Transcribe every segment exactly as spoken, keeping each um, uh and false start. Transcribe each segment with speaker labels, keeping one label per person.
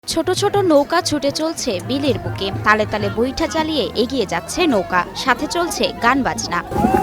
Speaker 1: ছোট ছোট নৌকা ছুটে চলছে বিলের বুকে, তালে তালে বৈঠা চালিয়ে এগিয়ে যাচ্ছে নৌকা, সাথে চলছে গান বাজনা।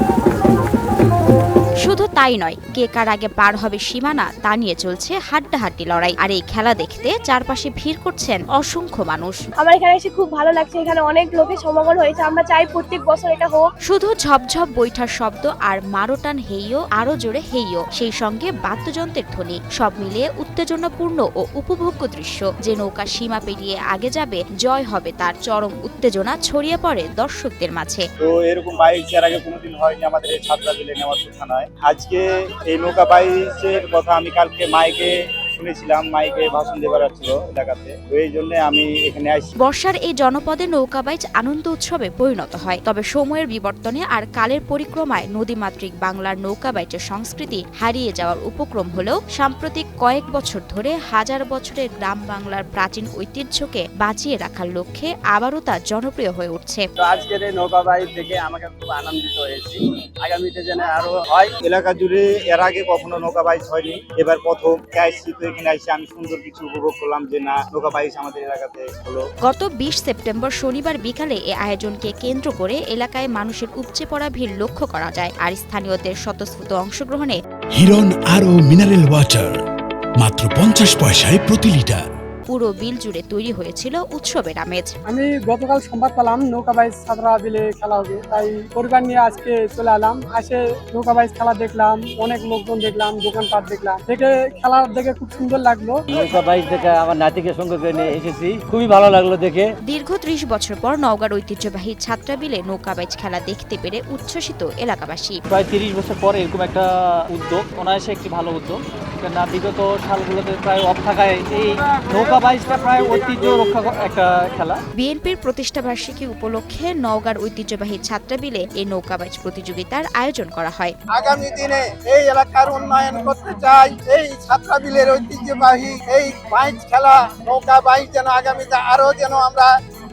Speaker 1: শুধু তাই নয়, কে কার আগে পার হবে সীমানা তা নিয়ে চলছে হাড্ডাহাড্ডি লড়াই। আর এই খেলা দেখতে চারপাশে ভিড় করছেন অসংখ্য মানুষ।
Speaker 2: আমার এখানে এসে খুব ভালো লাগছে, এখানে অনেক লোকের সমাগম হয়েছে। আমরা চাই প্রত্যেক বছর এটা হোক।
Speaker 1: শুধু ঝপঝপ বৈঠার শব্দ আর মারোটান হেইও, আরো জোরে হেইও, সেই সঙ্গে বাদ্যযন্ত্রের ধ্বনি, সব মিলিয়ে উত্তেজনাপূর্ণ ও উপভোগ্য দৃশ্য। যে নৌকা সীমা পেরিয়ে আগে যাবে, জয় হবে তার, চরম উত্তেজনা ছড়িয়ে পড়ে দর্শকদের মাঝে।
Speaker 3: তো এরকম বাইক এর আগে কোনোদিন হয়নি আমাদের এই ছাত্রা বিলে নেওয়ার থানায়। আজকে এই নৌকা বাইচের কথা আমি কালকে মাইকে শুনেছিলাম, মাইকে ভাষণ দেবার ছিল এলাকাতে, তো এই জন্য আমি এখানে আসছি।
Speaker 1: বর্ষার এই জনপদে নৌকাবাইচ আনন্দ উৎসবে পরিণত হয়। তবে সময়ের বিবর্তনে আর কালের পরিক্রমায় নদীমাতৃক বাংলার নৌকাবাইচের সংস্কৃতি হারিয়ে যাওয়ার উপক্রম হলেও সাম্প্রতিক কয়েক বছর ধরে হাজার বছরের গ্রাম বাংলার প্রাচীন ঐতিহ্যকে বাঁচিয়ে রাখার লক্ষ্যে আবারও তা জনপ্রিয় হয়ে উঠছে।
Speaker 4: তো আজকের এই নৌকাবাইচ দেখে আমাকে খুব আনন্দিত হয়েছি। আগামীতে যেন আরো হয়।
Speaker 3: এলাকা জুড়ে এর আগে কখনো নৌকা বাইচ হয়নি, এবার প্রথম আসছি। তো এখানে আসছি আমি সুন্দর কিছু উপভোগ করলাম যে না, নৌকা বাইচ আমাদের এলাকাতে হলো।
Speaker 1: গত বিশ সেপ্টেম্বর শনিবার বিকালে এ আয়োজনকে কেন্দ্র করে এলাকায় মানুষের উপচে পড়া ভিড় লক্ষ্য করা যায়। আর স্থানীয়দের স্বতঃস্ফূর্ত অংশগ্রহণে
Speaker 5: হিরন আরো মিনারেল ওয়াটার মাত্র পঞ্চাশ পয়সায় প্রতি লিটার।
Speaker 1: পুরো বিল জুড়ে তৈরি হয়েছিল উৎসবের আমেজ।
Speaker 6: আমি গতকাল সংবাদ পেলাম নৌকাবাইজ ছাত্রা বিলে খেলা হবে, তাই পরিবার নিয়ে আজকে চলে এলাম। আসে নৌকাবাইজ খেলা দেখলাম, অনেক লোকজন দেখলাম, দোকানপাট দেখলাম, দেখে খেলা দেখে খুব সুন্দর লাগলো।
Speaker 7: নৌকাবাইজ দেখে আমার নাতিকে সঙ্গে করে নিয়ে এসেছি, খুবই ভালো লাগলো দেখে।
Speaker 1: দীর্ঘ ত্রিশ বছর পর নওগাঁর ঐতিহ্যবাহী ছাত্রা বিলে নৌকাবাইজ খেলা দেখতে পেরে উচ্ছ্বসিত এলাকাবাসী।
Speaker 7: প্রায় তিরিশ বছর পর এরকম একটা উদ্যোগ, অনায়াসে একটি ভালো উদ্যোগ। না বিগত সালগুলোতে প্রায় অফ থাকায় এই নৌকাবাইজটা প্রায় ঐতিহ্য রক্ষা একটা খেলা।
Speaker 1: বিএনপির প্রতিষ্ঠা বার্ষিকী উপলক্ষে নওগাঁর ঐতিহ্যবাহী ছাত্রা বিলে এই নৌকাবাইজ প্রতিযোগিতার আয়োজন করা হয়।
Speaker 4: আগামী দিনে এই এলাকার উন্নয়ন করতে চাই। এই ছাত্রা বিলের ঐতিহ্যবাহী এই বাইচ খেলা, নৌকা বাইচ যেন আগামীতে আরো যেন আমরা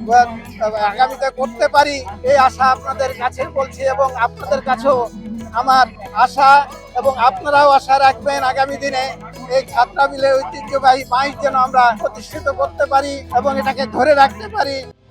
Speaker 4: আগামীতে করতে পারি, এই আশা আপনাদের কাছে বলছি। এবং আপনাদের কাছেও আমার আশা, এবং আপনারাও আশা রাখবেন আগামী দিনে এই ছাত্রা বিলের ঐতিহ্যবাহী বাইচ যেন আমরা প্রতিষ্ঠিত করতে পারি এবং এটাকে ধরে রাখতে পারি।